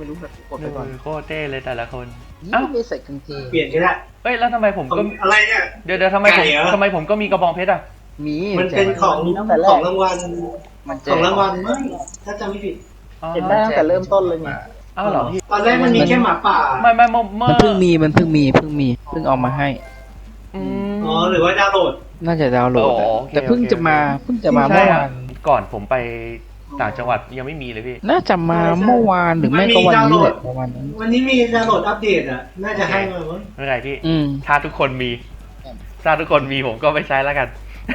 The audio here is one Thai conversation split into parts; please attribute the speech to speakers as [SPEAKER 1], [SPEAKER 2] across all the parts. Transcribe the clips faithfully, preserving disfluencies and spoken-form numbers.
[SPEAKER 1] ไม่รู้แบบกดไป
[SPEAKER 2] ดู
[SPEAKER 1] ก่อน
[SPEAKER 2] โคตรเท่เลยแต่ละคน
[SPEAKER 1] นี่
[SPEAKER 2] เอ้า
[SPEAKER 1] ไม่ใส่กางเกง
[SPEAKER 3] เปลี่ยนก็ได้
[SPEAKER 2] เฮ้ยแล้วทำไมผมก็
[SPEAKER 3] อะไรเนี่ย
[SPEAKER 2] เดี๋ยวเดี๋ยวทำไมผม
[SPEAKER 3] ไก่เหรอ
[SPEAKER 2] ทำไมผมก็มีกระบองเพชรอ่ะ
[SPEAKER 1] มี
[SPEAKER 3] มันเป็นของ
[SPEAKER 1] ตั้งแต่แร
[SPEAKER 3] ข
[SPEAKER 1] ก
[SPEAKER 3] องรางวัล
[SPEAKER 1] มันแจ
[SPEAKER 3] ของ
[SPEAKER 1] ก
[SPEAKER 3] รางวัลมั้งถ้าจำไม่ผิด
[SPEAKER 2] อ๋อ
[SPEAKER 4] เห็นได้ตั้งแต่เริ่มต้นเลยไง
[SPEAKER 2] อ้าวเหรอพี่
[SPEAKER 3] ตอนแรกมันมีแค่หมาป่า
[SPEAKER 2] ไม่ไม่เมื่อเมื่
[SPEAKER 1] มัน
[SPEAKER 2] อ
[SPEAKER 1] เพิ่งมีมันเพิ่งมีเพิ่งมีเพิ่งเอามาให้
[SPEAKER 2] อืม
[SPEAKER 3] อ๋อหรือว่าดาวน์โหลด
[SPEAKER 1] น่าจะดาวน์โหลด
[SPEAKER 2] อ๋อ
[SPEAKER 1] อะ
[SPEAKER 2] โอเค
[SPEAKER 1] แต่เพิ่ง
[SPEAKER 2] โอเค
[SPEAKER 1] จะมาเพิ่งจะมา
[SPEAKER 2] ใช่
[SPEAKER 1] เมื่อ
[SPEAKER 2] ครับ
[SPEAKER 1] วาน
[SPEAKER 2] ก่อนผมไปต่างจังหวัดยังไม่มีเลยพี่
[SPEAKER 1] น่าจะมาเมื่อวานหรือไม่ก็วันนี้แหละประมาณนั้น
[SPEAKER 3] วันนี้มีดาวน์โหลดอัปเดตอ่ะ น่าจะให้มามั้ง
[SPEAKER 2] ไม่เป็นไรพี่
[SPEAKER 1] อืม
[SPEAKER 2] ถ้าทุกคนมี ถ้าทุกคนมีผมก็ไปใช้แล้วกัน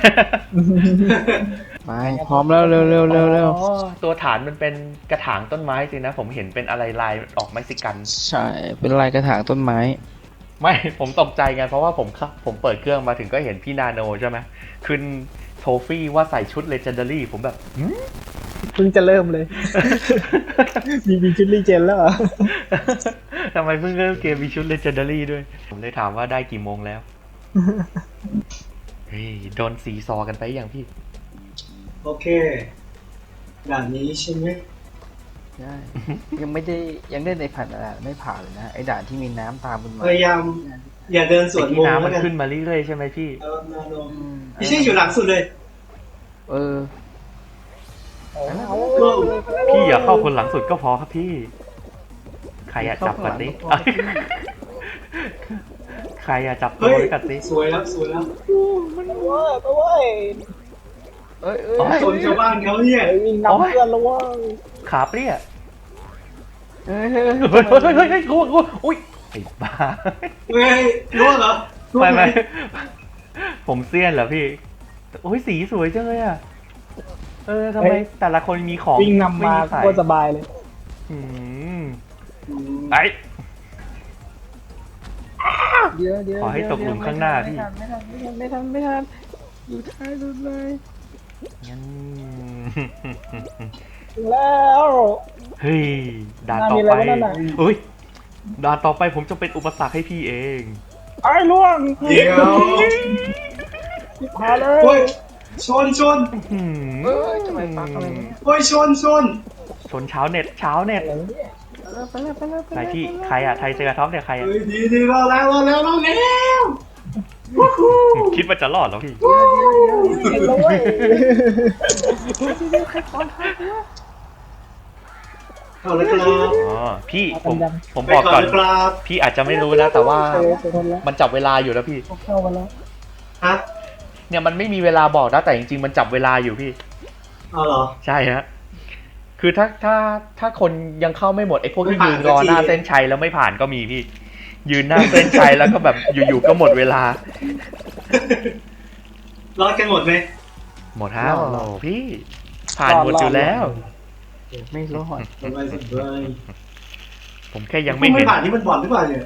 [SPEAKER 1] ไปพร้อมแล้วเร็วเร็วเร็วเร็ว
[SPEAKER 2] อ๋อตัวฐานมันเป็นกระถางต้นไม้สินะ ผมเห็นเป็นอะไรลายออกเม็กซิกัน
[SPEAKER 1] ใช่เป็นลายกระถางต้นไม้
[SPEAKER 2] ไม่ ผมตกใจไงเพราะว่าผมเข้าผมเปิดเครื่องมาถึงก็เห็นพี่นาโนใช่ไหมขึ้นโทฟี่ว่าใส่ชุดเลเจนดารี่ผมแบบหืม
[SPEAKER 4] เพิ่งจะเริ่มเลย มีมีชุดรีเจนแล้วเหรอ
[SPEAKER 2] ทำไมเพิ่งเริ่มเกมมีชุดเลเจนดารี่ด้วย ผมเลยถามว่าได้กี่โมงแล้ว เฮ้ยโดนสีซอกันไปอย่างพี่
[SPEAKER 3] โอเคด่านนี้ใช่ไหม
[SPEAKER 1] ใช่ยังไม่ได้ยังได้ในผ่านด่านไม่ผ่านเลยนะไอ้ด่านที่มีน้ำตามมันมา
[SPEAKER 3] พยายาม อย่าเดินสวน
[SPEAKER 2] ที่
[SPEAKER 3] มุม
[SPEAKER 2] น้ำมั
[SPEAKER 3] แล้ว
[SPEAKER 2] น
[SPEAKER 3] กัน
[SPEAKER 2] ขึ้นมาเรื่อยๆใช่ไหมพี่
[SPEAKER 3] เออนาโน
[SPEAKER 1] อืม
[SPEAKER 3] ไม่ใช่อยู่หลังสุดเลย
[SPEAKER 1] เออ
[SPEAKER 2] พี่อย่าเข้าคนหลังสุดก็พอครับพี่ ใครอยากจับกันดิใครอยากจับตัว
[SPEAKER 3] เฮ้ย
[SPEAKER 2] ไว้กันดิ
[SPEAKER 3] สวยแล้วสวยแล้ว
[SPEAKER 4] มันว่าตัวเว้ย
[SPEAKER 1] เอ้ยเอ้ย
[SPEAKER 3] ชนชาวบ้านเขาเนี่ย
[SPEAKER 4] ไอ้วิ่งนำเพื่อนแล้วว่า
[SPEAKER 2] ขาเปรี้ย
[SPEAKER 1] เฮ้ยเฮ้ย
[SPEAKER 2] เฮ้ยเฮ้ยเฮ้ยเฮ้ยเฮ้ยกูกูอุ้ยไอ้บ้า
[SPEAKER 3] เฮ้ยรู้เหรอรู้
[SPEAKER 2] ไม่
[SPEAKER 3] ไหม
[SPEAKER 2] ไม่ผมเซียนเหรอพี่โอ้ยสีสวยจังเลยอ่ะเออทำไมแต่ละคนมีของ
[SPEAKER 4] วิ่งนำมา
[SPEAKER 2] ไใส่
[SPEAKER 4] ก็สบายเลย
[SPEAKER 2] อืมไอ้
[SPEAKER 1] เดี๋ยวเดี๋ยว
[SPEAKER 2] ขอให้ตกหลุมข้างหน้าพี่
[SPEAKER 1] ไม่ทันไม่ทันไม่ทันไม่ทันอยู่ท้ายสุดเลย
[SPEAKER 2] งั้น
[SPEAKER 4] ถึงแล้ว
[SPEAKER 2] เฮ้ยด่าน
[SPEAKER 4] น่า
[SPEAKER 2] ต่อ
[SPEAKER 4] มีอะไร
[SPEAKER 2] ไป
[SPEAKER 4] วะนั่นน่ะ
[SPEAKER 2] เฮ้ยด่านต่อไปผมจะเป็นอุปสรรคให้พี่เอง
[SPEAKER 4] ไอ้ล่วง
[SPEAKER 3] เดี๋ยว
[SPEAKER 4] มาเลย
[SPEAKER 3] โอ้ยชนชน
[SPEAKER 2] หืม
[SPEAKER 1] เอ้ยทำไมปักอะไรวะเนี่ย
[SPEAKER 3] โอ้ยชนชน
[SPEAKER 2] ชนเช้าเน็ตเช้าเน็ต
[SPEAKER 4] อะไรวะเนี่ย
[SPEAKER 1] ไปแล้วไปแล้วไป
[SPEAKER 2] ไหน
[SPEAKER 1] แล้ว
[SPEAKER 2] พี่ใครอะไทยเจอท็อปเนี่ยใครอะ
[SPEAKER 3] เฮ้ยดีดีรอแล้วรอแล้วรอแล้ววู้ฮู้
[SPEAKER 2] คิดว่าจะรอดเหรอพี่
[SPEAKER 4] เห็นแล้วเว้ย
[SPEAKER 3] เอาเลยครับ
[SPEAKER 2] อ๋อพี่ผมผมบอกก่อน
[SPEAKER 3] ไปครับ
[SPEAKER 2] พี่อาจจะไม่รู้นะแต่ว่า
[SPEAKER 4] เจอเจอคนแล้ว
[SPEAKER 2] มันจับเวลาอยู่แล้วพี่
[SPEAKER 4] เข้ามาแล้ว
[SPEAKER 3] ฮะ
[SPEAKER 2] เนี่ยมันไม่มีเวลาบอกนะแต่จริงๆมันจับเวลาอยู่พี่
[SPEAKER 3] เอาเหรอ
[SPEAKER 2] ใช่ฮะคือถ้าถ้าถ้าคนยังเข้าไม่หมดไอ้พวกที่
[SPEAKER 3] ไม่
[SPEAKER 2] ยื
[SPEAKER 3] ผ่าน
[SPEAKER 2] นรอ
[SPEAKER 3] สักที
[SPEAKER 2] หน้าเส้นชัยแล้วไม่ผ่านก็มีพี่ ยืนหน้าเส้นชัยแล้วก็แบบอยู่ๆก็หมดเวลา
[SPEAKER 3] รอดกันหมดไหม
[SPEAKER 2] หมดแล้วพี่ผ่านหมดอยู่แล้ว
[SPEAKER 1] ไม่รอด
[SPEAKER 3] สบายสบาย
[SPEAKER 2] ผมแค่ยัง
[SPEAKER 3] ไม่
[SPEAKER 2] ไม่เห็น
[SPEAKER 3] ผ่านที่มันบอดหรือเปล่าเนี่ย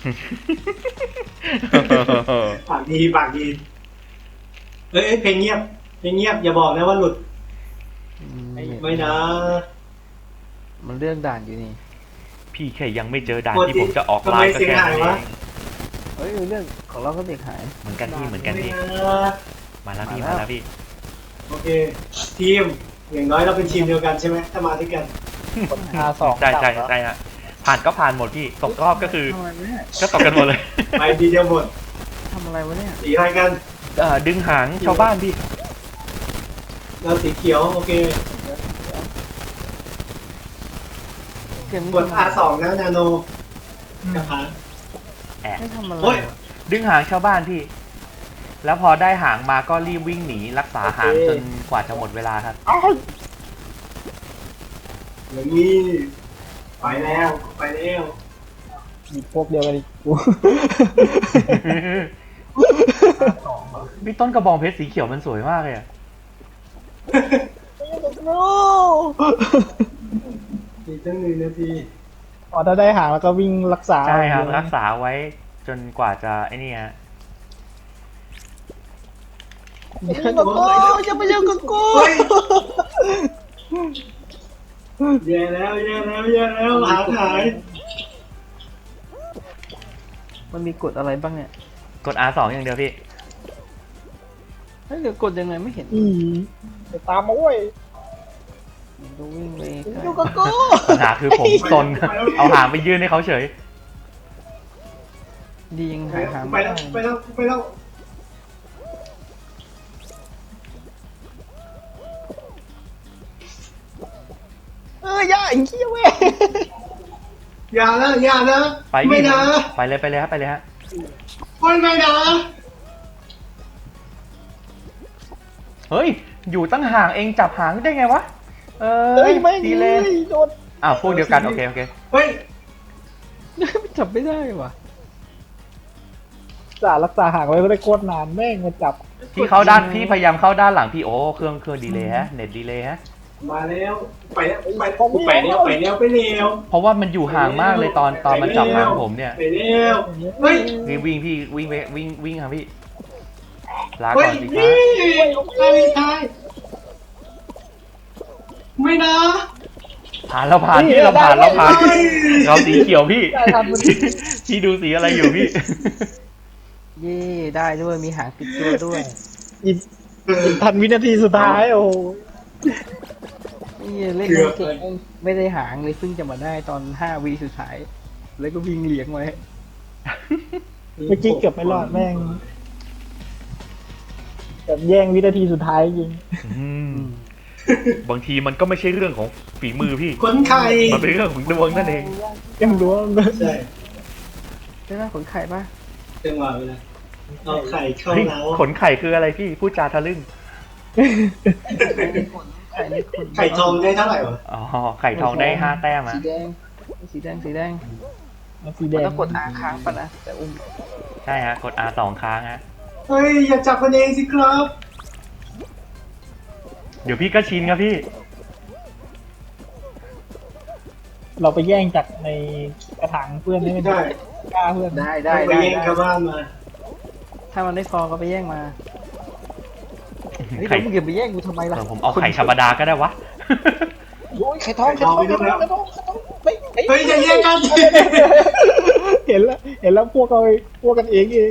[SPEAKER 3] ปากดีปากดีเอ้ยเอ้ยเพลงเงียบเพลงเงียบอย่าบอกนะว่าหลุดไม่นะ
[SPEAKER 1] มันเรื่องด่านอยู่นี่
[SPEAKER 2] พี่แค่ยังไม่เจอด่าน
[SPEAKER 3] ปกติ
[SPEAKER 2] ที่ผมจะออก
[SPEAKER 3] ทำ
[SPEAKER 2] ไล
[SPEAKER 3] ไม
[SPEAKER 2] น์ก็
[SPEAKER 3] เสียง
[SPEAKER 2] แค่
[SPEAKER 3] หาย
[SPEAKER 2] นั้นเอ
[SPEAKER 3] วะ
[SPEAKER 2] ง
[SPEAKER 1] เฮ้ยเรื่องของเราก็เด็กหาย
[SPEAKER 2] เหมือนกันพี่เหมือนกัน
[SPEAKER 3] ไม่
[SPEAKER 2] พี่
[SPEAKER 3] นะ
[SPEAKER 2] มาแล้วพี่
[SPEAKER 1] มา
[SPEAKER 2] มา
[SPEAKER 1] แล้ว
[SPEAKER 2] แล้วพี่
[SPEAKER 3] โอเค ทีมอย่างน้อยเราเป็นทีมเดียวกันใช่ไหมถ้ามาด้วยกัน
[SPEAKER 4] อาสอง
[SPEAKER 2] ใช่ใช่ใช่ฮะผ่านก็ผ่านหมดพี่ตกรอบก็คือ
[SPEAKER 1] ทำอะไรวะเนี่ย
[SPEAKER 2] ก็ตกกันหมดเลย
[SPEAKER 3] ไปทีเดียวหมด
[SPEAKER 1] ทำอะไรวะเนี่ย
[SPEAKER 3] สีอะไรกัน
[SPEAKER 2] เอ่อดึงหางชาวบ้านพี่
[SPEAKER 3] เราสีเขียวโอเค
[SPEAKER 1] เกมนี้
[SPEAKER 3] กด อาร์ สอง นะนาโนกระพาน
[SPEAKER 2] แอบ
[SPEAKER 1] ไม่ทำอะไร
[SPEAKER 3] โอ้ย
[SPEAKER 2] ดึงหางชาวบ้านพี่ แล้วพอได้หางมาก็รีบวิ่งหนีรักษาหางจนกว่าจะหมดเวลาครับ
[SPEAKER 4] อ้าว
[SPEAKER 3] อย่างนี้ไปแล้วไปแล้ว
[SPEAKER 4] มีพวกเดียวกันอีกกู
[SPEAKER 2] พี่ต้นกระบองเพชรสีเขียวมันสวยมากเลยอะ
[SPEAKER 3] อีกตั้งหนึ่งนาที
[SPEAKER 4] อ๋อถ้าได้หางแล้วก็วิ่งรักษา
[SPEAKER 2] ใช่ครับรักษาไว้จนกว่าจะไอ้นี่ฮะ
[SPEAKER 4] อย่ากับกูอย่าไปยุ่งกับกู
[SPEAKER 3] เฮ้ยแย่แล้วแย่แล้วแย่แล้วหางหาย
[SPEAKER 1] มันมีกฎอะไรบ้างเนี่ย
[SPEAKER 2] กด อาร์ สอง อย่างเดียวพี่
[SPEAKER 1] เฮ้ยเดี๋ยวกดยังไงไม่เห็น
[SPEAKER 4] อีไปตามมาเว้ย
[SPEAKER 1] ดูวิ่งไปไกล
[SPEAKER 4] อยู่กับกู
[SPEAKER 2] ปัญหาคือผมซน เอาหางไปยื่นให้เขาเฉย
[SPEAKER 1] ดียัง
[SPEAKER 3] ไป
[SPEAKER 1] หาหา
[SPEAKER 3] ไป
[SPEAKER 1] ไม่
[SPEAKER 3] แล้ว
[SPEAKER 1] ได้
[SPEAKER 3] ไปแล้วไปแล้ว
[SPEAKER 4] เออย่าไอ้เหี้ยเว้ย
[SPEAKER 3] อย่านะอย่านะ
[SPEAKER 2] ไป
[SPEAKER 3] ไม่
[SPEAKER 2] พี่
[SPEAKER 3] นะ
[SPEAKER 2] ไปเลยไปเลยฮะไปเลยฮะ
[SPEAKER 3] ไม่ไม่นะ
[SPEAKER 2] เฮ้ย อยู่ตั้งห่างเองจับหางได้ไงวะ เออ
[SPEAKER 4] เฮ้ยไม่
[SPEAKER 2] ดี
[SPEAKER 4] เล
[SPEAKER 2] เลย
[SPEAKER 4] ยโดน
[SPEAKER 2] อ้าวพวกเดียวกันโอเคโอเค
[SPEAKER 3] เฮ้ย
[SPEAKER 1] จับไม่ได้ว่ะ
[SPEAKER 4] จ่ารักษาห่างไว้ก็ได้โคตรนานแม่งมาจับ
[SPEAKER 2] พี่เข้าด้านพี่พยายามเข้าด้านหลังพี่โอ้เครื่องเครื่องดีเลยฮะเน็ตดีเลยฮะ
[SPEAKER 3] มาแล้วไปแล้วไปไปแล้วไปแล้วไปแล้ว
[SPEAKER 2] เพราะว่ามันอยู่ห่างมากเลยตอนตอนมันจับหางผมเนี่ย
[SPEAKER 3] ไปแล้วเฮ้ย
[SPEAKER 2] วิ่งวิ่งพี่วิ่งไปวิ่งวิ่งครับพี่ลา
[SPEAKER 3] เฮ้
[SPEAKER 2] ก่
[SPEAKER 3] ย
[SPEAKER 2] อนสิค
[SPEAKER 3] นี่
[SPEAKER 2] รับ
[SPEAKER 3] ใช่ใช่ไม่นะ
[SPEAKER 2] ผ่านแล้วผ่านพี่เราผ่านเราผ่าน
[SPEAKER 3] เฮ้ย
[SPEAKER 2] เราสีเขียวพี่
[SPEAKER 4] ได้ทันมัน
[SPEAKER 2] พี่ดูสีอะไรอยู่พี่
[SPEAKER 1] เย่ได้ด้วยมีหางติดตัวด้วย
[SPEAKER 4] อีกอีกพันวินาทีสุดท้ายโอ้โห
[SPEAKER 1] นี่เล่นเก่งไม่ได้หางเลยเพิ่งจะมาได้ตอนห้าวีสุดท้าย แล้วก็วิ่งเลี้ยงไว้
[SPEAKER 4] เมื่อกี้เกือบไม่รอดแม่งแบบแย่งวินาทีสุดท้ายจริง
[SPEAKER 2] อืมบางทีมันก็ไม่ใช่เรื่องของฝีมือพี่
[SPEAKER 3] คนไข่
[SPEAKER 2] มันเป็นเรื่องของดวงนั่นเอง
[SPEAKER 4] ยังรู้ว่า
[SPEAKER 3] ใช่
[SPEAKER 1] ใช่ไหมขนไข่ปะ
[SPEAKER 3] จังหวะเวลาเอาไข่เข้า
[SPEAKER 2] เฮ้ย
[SPEAKER 3] เล้า
[SPEAKER 2] ขนไข่คืออะไรพี่พูดจาทะลึ่ง
[SPEAKER 1] ไข่ในขน
[SPEAKER 3] ไข่ทองได้เท่าไหร่วะ
[SPEAKER 2] อ๋อไข่ทองได้ห้าแต้มอะ
[SPEAKER 1] สีแดงสีแดงสีแดง
[SPEAKER 4] เอาสีแดง
[SPEAKER 1] แล้วกดอาค้างปะนะแต่อุ้ม
[SPEAKER 2] ใช่ฮะกด R สองครั้งฮะ
[SPEAKER 3] เฮ้ยอย่าจับกันเองสิครับ
[SPEAKER 2] เดี๋ยวพี่ก็ชินครับพี่
[SPEAKER 4] เราไปแย่งจากในกระถางเพื่อนได้ไหม
[SPEAKER 3] ได้
[SPEAKER 4] กล้าเพื่อน
[SPEAKER 1] ได้ได้
[SPEAKER 3] ไป
[SPEAKER 1] ได้
[SPEAKER 3] แย่งชาวบ้านมา
[SPEAKER 1] ถ้ามันไม่พอก็ไปแย่งมาเฮ้ย
[SPEAKER 2] ไข่
[SPEAKER 1] แล้วมึงอย่าไปแย่งกูทำไมล่ะ
[SPEAKER 2] เออผมเอาไข่ธรรมดาก็ได้วะ
[SPEAKER 1] โอ้ยไข่ทองไข่ทองไข่ทองไข่ทองไม่
[SPEAKER 3] เฮ้ยอย่าแย่งกัน
[SPEAKER 4] เห็นแล้วเห็นแล้วพวกเราพวกกันเองเอง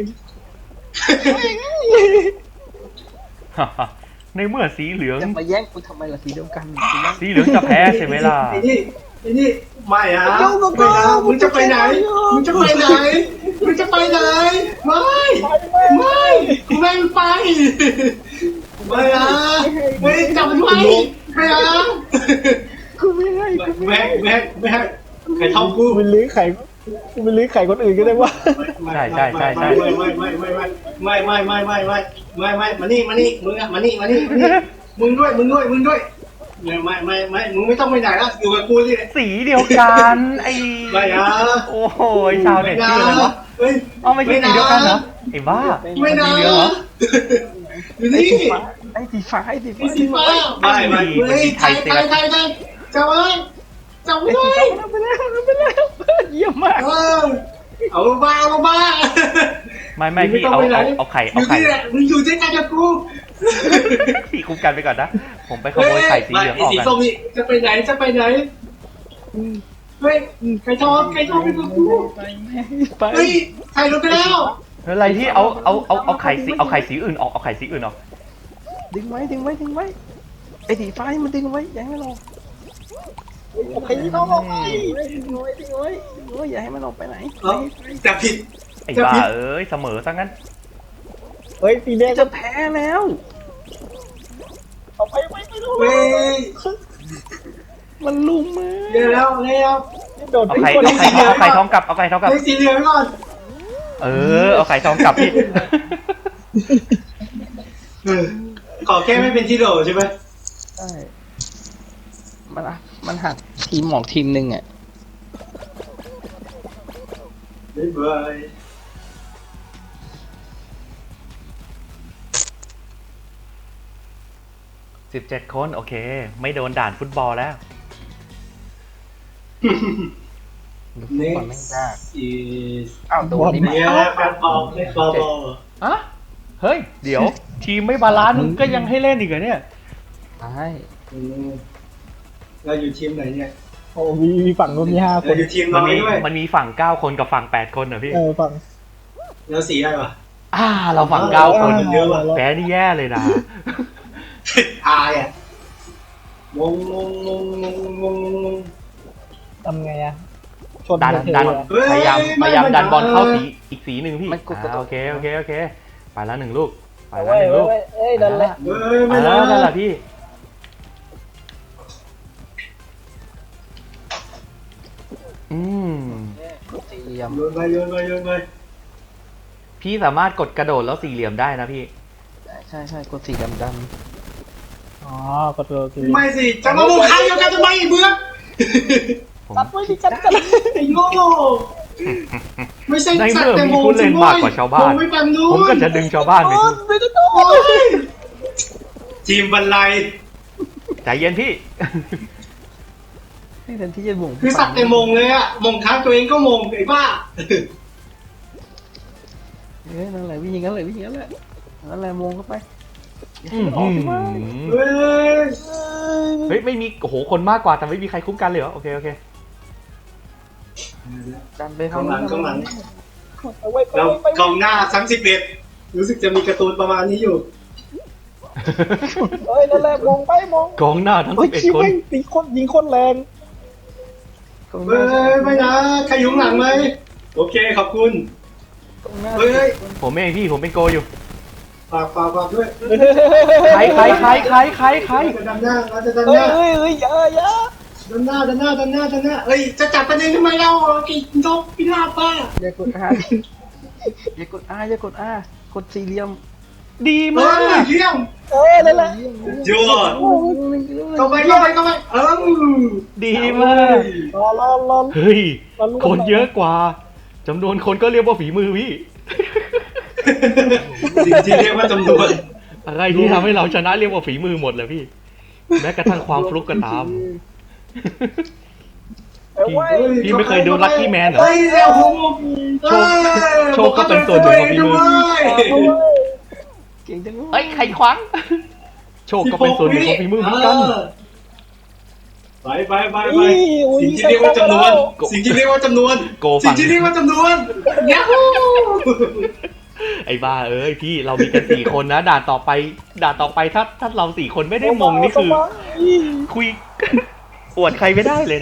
[SPEAKER 2] ในเมื่อสีเหลือง
[SPEAKER 1] จะมาแย่งกูทำไมล่ะสีเดียวกันสีแดง
[SPEAKER 2] สีเหลืองจะแพ้ใช่ไหมล่ะ
[SPEAKER 3] ไอ้นี่ไอ้นี่ไม่อะไม่นะมึงจะไปไหนมึงจะไปไหนมึงจะไปไหนไม่ไม่กูไม่ไปไม่อะไม่จับมันไว้ไม่อะ
[SPEAKER 1] กูไม่ให้กูไม่
[SPEAKER 3] แม่แม่แม่ไข่ทองกู
[SPEAKER 4] กูไปลื้อไข่กูไปลื้อไข่คนอื่นก็ได้ว่า
[SPEAKER 3] ไม่ไม่ไม่ไม่ไม่ไม่ไม่ไม่ไม่ไม่ไม่ไม่ไม่ไม่มานี่มานี่มึงอะมานี่มานี่มึงด้วยมึงด้วยมึงด้วยไม่ไม่ไม่ไม่มึงไม่ต้องไปไหนแล้วอยู่กับกูสิ
[SPEAKER 2] สีเดียวกันไอ้
[SPEAKER 3] ไม่อะ
[SPEAKER 2] โอ้โหชาวเน็ตชื่ออะไรวะ
[SPEAKER 3] เฮ้ย
[SPEAKER 2] อ๋อไม่ใช่สีเดียวกันเหรอไอ้บ้า
[SPEAKER 3] ไม่นะ
[SPEAKER 2] สีเหลืองเหรอ
[SPEAKER 3] อยู่
[SPEAKER 1] ไอ้
[SPEAKER 3] นี่
[SPEAKER 1] สีฟ้าไอ้สีฟ้าไอ้สีฟ้า
[SPEAKER 3] สีฟ้าไม่ไม่เฮ้ยไทยไทยไทยไทยจับไว้จับไว้
[SPEAKER 1] ไปแล้วไปแล้วเยี่ยมมาก
[SPEAKER 3] เออเอาลงมาเอาลงมา
[SPEAKER 2] ไม่ไม่พี่เอาเอาเอาไข่
[SPEAKER 3] อ
[SPEAKER 2] เอา
[SPEAKER 3] ยู่
[SPEAKER 2] ไข่
[SPEAKER 3] นี่แหละมึงอยู่ด้วยกันกับกู
[SPEAKER 2] พี่คุ้มกันไปก่อนนะ ผมไปขโมยไข่สีเหลืองออก
[SPEAKER 3] สี
[SPEAKER 2] กัน
[SPEAKER 3] ส้มนี่จะไปไหนจะไปไหนเฮ้ยไข่ทองไข่ทองไปกับกู
[SPEAKER 1] ไปแม่ไป
[SPEAKER 3] เฮ้ยไข่ลงไปแล้ว
[SPEAKER 2] อะไรที่เอาเอาเอาเอาไข่สีเอาไข่สีอื่นออกเอาไข่สีอื่นออก
[SPEAKER 1] ดึงไว้ดึงไว้ดึงไว้ไอ้สีฟ้านี่มันดึงไว้อย่าให้มันออก
[SPEAKER 4] ไอ้ที่ต้องออกไป
[SPEAKER 1] ดึงไว้ดึงไว้ดึงไว้อย่าให้มันออกไปไหน
[SPEAKER 3] เอ้าจับผิด
[SPEAKER 2] ไอ้บ้าเอ้ยเสมอซะงั้น
[SPEAKER 4] เฮ้ยสีแดง
[SPEAKER 1] จะแพ้แล้ว
[SPEAKER 4] เอาไปไม่ไม่รู้
[SPEAKER 3] เฮ้ย
[SPEAKER 1] มันลุมมา
[SPEAKER 3] เดี๋ยวแล้วแล้ว
[SPEAKER 4] โดน
[SPEAKER 2] เอา
[SPEAKER 4] ไป
[SPEAKER 2] ไข่
[SPEAKER 4] คน
[SPEAKER 2] เอาไข่ทองเอาไข่ทองกลับเอาไข่ทองกลับ
[SPEAKER 3] เฮ้ยสีเหลืองก่อน
[SPEAKER 2] เออเอาไข่ทองกลับพี่
[SPEAKER 3] ขอแค่ไม่เป็นที่โหลใช่ไหม
[SPEAKER 1] ใช่มันอะมันหักทีมหมอกทีมหนึ่งอ่ะ
[SPEAKER 3] บ๊ายบาย
[SPEAKER 2] สิบเจ็ดคนโอเค ไม่โดนด่านฟุตบอลแล้ว
[SPEAKER 1] ดูฟุตบอลแม่งยาก
[SPEAKER 3] อี
[SPEAKER 1] อ้าวโดนนี่มา
[SPEAKER 3] เนี่ยแฟนบอลเล่นบอลบอล
[SPEAKER 2] อะเฮ้ย เดี๋ยว ทีมไม่บาลานซ์มึงก็ยังให้เล่นอีกเหรอเนี่ย
[SPEAKER 1] ใช่
[SPEAKER 3] เราอยู่ทีมไหนเนี่ย
[SPEAKER 4] โอ้มีมีฝั่งนู้นมีห้าค
[SPEAKER 3] เรา
[SPEAKER 4] น
[SPEAKER 3] อยู่ทีม
[SPEAKER 2] มั
[SPEAKER 3] น้
[SPEAKER 2] น
[SPEAKER 3] อย
[SPEAKER 2] มี
[SPEAKER 3] ด้วย
[SPEAKER 2] มันมีฝั่งเก้าคนกับฝั่งแปดคนเหรอพี่
[SPEAKER 4] เออฝั่ง
[SPEAKER 3] แล้วสีอะไรวะ
[SPEAKER 2] อ่า เราฝั่งเก้าคน
[SPEAKER 3] เยอะว่ะ
[SPEAKER 2] แพ้นี่แย่เลยนะ
[SPEAKER 3] อายอ่ะงงงงงงงงงง
[SPEAKER 4] ทำไงอะชน
[SPEAKER 2] ดัน
[SPEAKER 4] เธอ
[SPEAKER 2] ดัน
[SPEAKER 4] อะ
[SPEAKER 2] พยายามพยายามดันบอลเข้าสีอีกสีหนึ่งพี่
[SPEAKER 1] มันกดกระ
[SPEAKER 2] อ่า
[SPEAKER 1] โดด
[SPEAKER 2] โอเคโอเคโอเคไปแล้วหนึ่งลูกไป
[SPEAKER 4] เอา
[SPEAKER 2] แล้ว
[SPEAKER 4] ไว้
[SPEAKER 2] หนึ่ง
[SPEAKER 4] ไว้
[SPEAKER 2] ลูก
[SPEAKER 4] ไว้เอ้ยดันแหละ
[SPEAKER 3] เฮ้ย
[SPEAKER 2] ไป
[SPEAKER 3] ไม่
[SPEAKER 2] แล้
[SPEAKER 3] ได้
[SPEAKER 2] วนั่นแหละพี่ อืม
[SPEAKER 1] สี่เหลี่ยม
[SPEAKER 3] โยนไปโยนไปโยนไป
[SPEAKER 2] พี่สามารถกดกระโดดแล้วสี่เหลี่ยมได้นะพี่
[SPEAKER 1] ใช่ใช่กดสีดำด
[SPEAKER 4] อ๋อกดโดดคือ
[SPEAKER 3] ไม่สิจะมาบุกใครเดียวกันทำไมเบื่อ
[SPEAKER 2] ผม
[SPEAKER 4] ตัดไว้ดิกันกัน
[SPEAKER 3] ไอ้โง่ไม่ใช่
[SPEAKER 2] ใน
[SPEAKER 3] สัต
[SPEAKER 2] เมื่อ
[SPEAKER 3] ว์แต่
[SPEAKER 2] มี
[SPEAKER 3] โม
[SPEAKER 2] ผู้เล่นมากกว่าชาวบ้าน
[SPEAKER 3] ไม่ปันนู้น
[SPEAKER 2] ผมก็จะดึงชาวบ้านไปทุก
[SPEAKER 4] ไม่ได้โดน
[SPEAKER 3] ทีมบรรลัย
[SPEAKER 2] ใจเย็นพี่
[SPEAKER 1] ำให้แทนที่จะบ่ง
[SPEAKER 3] คือสัตว์แต่มงเลยอะมงค้างตัวเองก็มงไอ้บ้า
[SPEAKER 1] เอ้ยนั่นแหละวิ่งอย่างนั้นเลยวิ่งอย่างนั้นแหละนั่นแหละมงเข้าไป
[SPEAKER 2] อื้อหือ
[SPEAKER 3] เฮ้ย
[SPEAKER 2] เฮ้ยไม่มีโอ้โหคนมากกว่าแต่ไม่มีใครคุ้มกันเลยเหรอโอเคโอเค
[SPEAKER 1] ดันไป
[SPEAKER 3] กองหลังกองหลัง
[SPEAKER 4] เอาไว้ไป
[SPEAKER 3] เรา
[SPEAKER 4] ไป
[SPEAKER 3] กองหน้าซ้ำสิบเอ็ดรู้สึกจะมีการ์ตูนประมาณนี้อยู่
[SPEAKER 4] เอ้ยนั่นแหละมองไปมอง
[SPEAKER 2] กองหน้าทั้ง
[SPEAKER 4] เฮ้ย
[SPEAKER 2] สิบเอ็ด
[SPEAKER 4] คิด
[SPEAKER 2] คน
[SPEAKER 4] ว่าตีคนยิงคนแรง
[SPEAKER 1] ตรงห
[SPEAKER 3] เฮ้
[SPEAKER 1] น้าย
[SPEAKER 3] ไม่นะใครอยุ่ข้างหลังไหมโอเคขอบคุณ
[SPEAKER 1] ตรงหน้า
[SPEAKER 3] เฮ้ย
[SPEAKER 2] ผมเองพี่ผมเป็นโกอยู่
[SPEAKER 3] ฝากฝากฝากด้วย
[SPEAKER 2] ใครใครใครใครใครใคร
[SPEAKER 3] จะดันหน้าเราจะดันห
[SPEAKER 4] เฮ้ย
[SPEAKER 3] น้า
[SPEAKER 4] เฮ้ยเฮ้ยอย่าอย่า
[SPEAKER 3] ดันหน้าดันหน้าดันหน้าดันหน้าเอ้ยจะจับประเด็นทำไมเรากี่นกพิราบป้า
[SPEAKER 1] อย่ากดอาอย่ากดอาอย่ากดอากดสี่เหลี่ยม
[SPEAKER 2] ดี
[SPEAKER 3] เอ
[SPEAKER 2] มา
[SPEAKER 3] อก เยี่ยม
[SPEAKER 4] เออนั่นแหละ
[SPEAKER 3] ยอดเข้าไปเข้าไปเข้าไปเออ
[SPEAKER 2] ดีมาก
[SPEAKER 4] รอรอรอ
[SPEAKER 2] เฮ้ยคนเยอะกว่าจำนวนคนก็เรียกว่าฝีมือพี่
[SPEAKER 3] สิ่งที่เรียกว่าจำนวน
[SPEAKER 2] อะไรที่ทำให้เราชนะเรียกว่าฝีมือหมดเลยพี่ แม้กระทั่งความฟลุกก็ตาม
[SPEAKER 4] เอาไว้
[SPEAKER 2] พี่ไม่เคยดู Lucky Man เหรอ
[SPEAKER 3] เฮ้ยเร็วโห
[SPEAKER 2] โชคโชคก็เป็นส่วนหนึ่งของฝีมือ
[SPEAKER 4] เอาไว้
[SPEAKER 1] เก่งจังเลย
[SPEAKER 2] เอ้ยใครขวางโชคก็เป็นส่วนหนึ่งของฝีมือเหมือนกัน
[SPEAKER 3] ไปไปไปไป
[SPEAKER 4] อุ้ยอุ้ย
[SPEAKER 3] สิ่งที่เรียกว่าจำนวน สิ่งที่เรียกว่าจำนวน
[SPEAKER 2] โกฟัง
[SPEAKER 3] สิ่งที่เรียกว่าจำนวนยาฮู
[SPEAKER 2] ไอ้บ้าเอ้ยพี่เรามีกันสี่คนนะด่านต่อไปด่านต่อไปถ้าถ้าเราสี่คนไม่ได้มงนี่คือ คุย อวดใครไม่ได้เลยนะ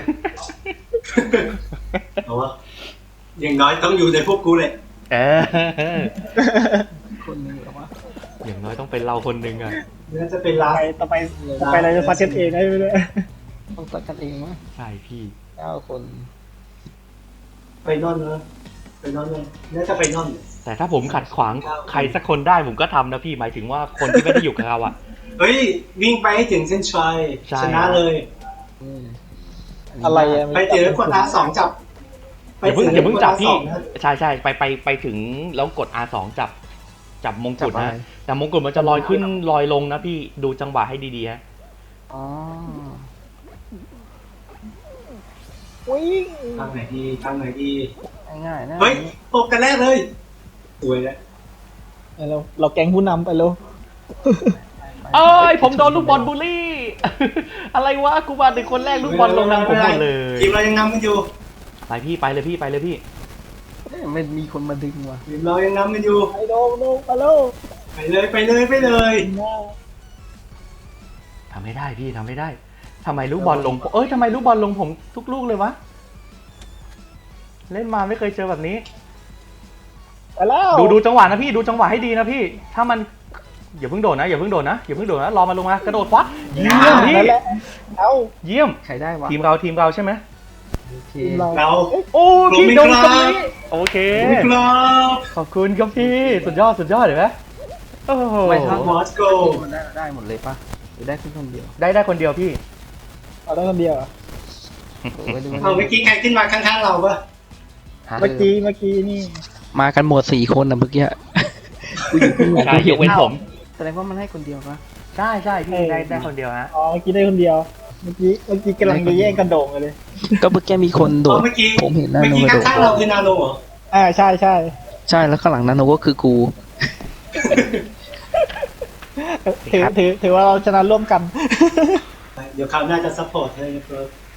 [SPEAKER 3] เอาวะอย่างน้อยต้องอยู่ในพวกกูเลย
[SPEAKER 2] เออ
[SPEAKER 1] คนหนึงเหรอวะ
[SPEAKER 2] อย่างน้อยต้องเป็นเราคนหนึ่งอะ
[SPEAKER 3] น่าจะเป็นลา
[SPEAKER 4] ไปต่อไปต่อไปเราจะฟัดกันเองได้ไหมเนี่ย
[SPEAKER 1] ต้องตัดกันเองมั้ย
[SPEAKER 2] ใช่พี่
[SPEAKER 1] เก้าคน
[SPEAKER 3] ไปนอนเนอะไปนอนเลยน่าจะไปนอน
[SPEAKER 2] แต่ถ้าผมขัดขวางใครสักคนได้ผมก็ทำนะพี่หมายถึงว่าคนที่ไม่ได้อยู่กับเราอะ
[SPEAKER 3] เฮ้ยวิ่งไปให้ถึงเส้นชัย
[SPEAKER 2] ใช่
[SPEAKER 3] ชนะเลย
[SPEAKER 1] อืมนนี้
[SPEAKER 4] อะไรอะ
[SPEAKER 3] ไปถึงกด อาร์ สองจับ
[SPEAKER 2] อย่าเพิ่งอย่าเพิ่งจับพี่
[SPEAKER 3] กด อาร์ สองนะ
[SPEAKER 2] ใช่ใช่ไปไปไปถึงแล้วกด อาร์ สอง จับจับมงกุฎ
[SPEAKER 1] จับอะไร
[SPEAKER 2] นะแต่มงกุฎมันจะลอยขึ้นลอยลงนะพี่ดูจังหวะให้ดีๆฮะ
[SPEAKER 1] อ๋อ
[SPEAKER 4] วิ่ง
[SPEAKER 3] ทางไหนดีทางไหนดี
[SPEAKER 1] ง่ายๆนะ
[SPEAKER 3] เฮ้ยตกกันแรกเลยสวยแล้ว
[SPEAKER 4] เราเราแก๊งผู้นำไปแล้ว
[SPEAKER 2] เอ้ยผมโดนลูกบอลบูลลี่ อะไรวะกูมาเป็นคนแรกลูกบอลลงนำผมหมดเลย
[SPEAKER 3] ทีมเรายังนำกันอยู่
[SPEAKER 2] ไปพี่ไปเลยพี่ไปเลยพี่
[SPEAKER 1] เอ้ยไม่มีคนมาดึงว่ะ
[SPEAKER 3] ทีมเรายังนำกันอยู่
[SPEAKER 4] ไปโดนโดนไปแล้ว
[SPEAKER 3] ไปเลยไปเลยไปเลย
[SPEAKER 2] ทำให้ได้พี่ทำให้ได้ทำไมลูกบอลลงเอ้ยทำไมลูกบอลลงผมทุกลูกเลยวะเล่นมาไม่เคยเจอแบบนี้
[SPEAKER 4] ไปแล้ว
[SPEAKER 2] ดูดูจังหวะนะพี่ดูจังหวะให้ดีนะพี่ ถ้ามันอย่าเพิ่งโดดนะอย่าเพิ่งโดดนะอย่าเพิ่งโดดนะรอมันลงมากระโดดฟัดเยี่ยมพี่
[SPEAKER 4] นั่นแหละเอา
[SPEAKER 2] เยี่ยม
[SPEAKER 1] ใครได้วะ
[SPEAKER 2] ทีมเราทีมเราใช่ไหม
[SPEAKER 1] โอเค
[SPEAKER 4] ทีมเรา
[SPEAKER 3] เรา
[SPEAKER 2] โอ้
[SPEAKER 3] ลง
[SPEAKER 2] พี่
[SPEAKER 3] ไม่
[SPEAKER 2] โดน
[SPEAKER 3] ครับ
[SPEAKER 2] ตรงนี้โอเค
[SPEAKER 3] ครับ
[SPEAKER 2] ขอบคุณครับพี่สุดยอดสุดยอดเห็นไหมโอ้โห
[SPEAKER 1] ไม่ทัน
[SPEAKER 3] มอสโก
[SPEAKER 1] มันได้ได้หมดเลยปะหรือได้แค่คนเดียว
[SPEAKER 2] ได้ได้คนเดียวพี่
[SPEAKER 4] เอาได้คนเดียวอะ
[SPEAKER 1] เออไว้ดู
[SPEAKER 3] เอาเมื่อกี้ใครขึ้นมาข้างๆเราปะ
[SPEAKER 1] หา
[SPEAKER 4] เมื่อกี้เมื่อกี้นี่
[SPEAKER 1] มากันหมดสี่คนนะเมื่อกี้กูอยู่ข้างหลัง
[SPEAKER 2] ใช่ยกเว้นผม
[SPEAKER 1] แสดงว่ามันให้คนเดียวปะ
[SPEAKER 2] ใช่ใช่พี่ได้ได้คนเดียวฮะ
[SPEAKER 4] อ๋อเมื่อกี้ได้คนเดียว เมื่อกี้เมื่อกี้กำลังจะแย่งกันโด่งกันเลย
[SPEAKER 1] ก็เมื่อกี้มีคนโด
[SPEAKER 3] เอา
[SPEAKER 1] ด
[SPEAKER 3] เมื่อกี้
[SPEAKER 1] ผมเห็นนา
[SPEAKER 3] เมื่อ
[SPEAKER 1] โน
[SPEAKER 3] กี้
[SPEAKER 1] กระโดด
[SPEAKER 3] ข้างๆเราคือนาโนเหรอ
[SPEAKER 4] อ่าใช่ใช่
[SPEAKER 1] ใช่แล้วข้างหลังนาโนก็คือกู
[SPEAKER 4] ถือถือถือว่าเราชนะร่วมกัน
[SPEAKER 3] เดี๋ยวคราวหน้าจะซัพพอร์ตให้ครับ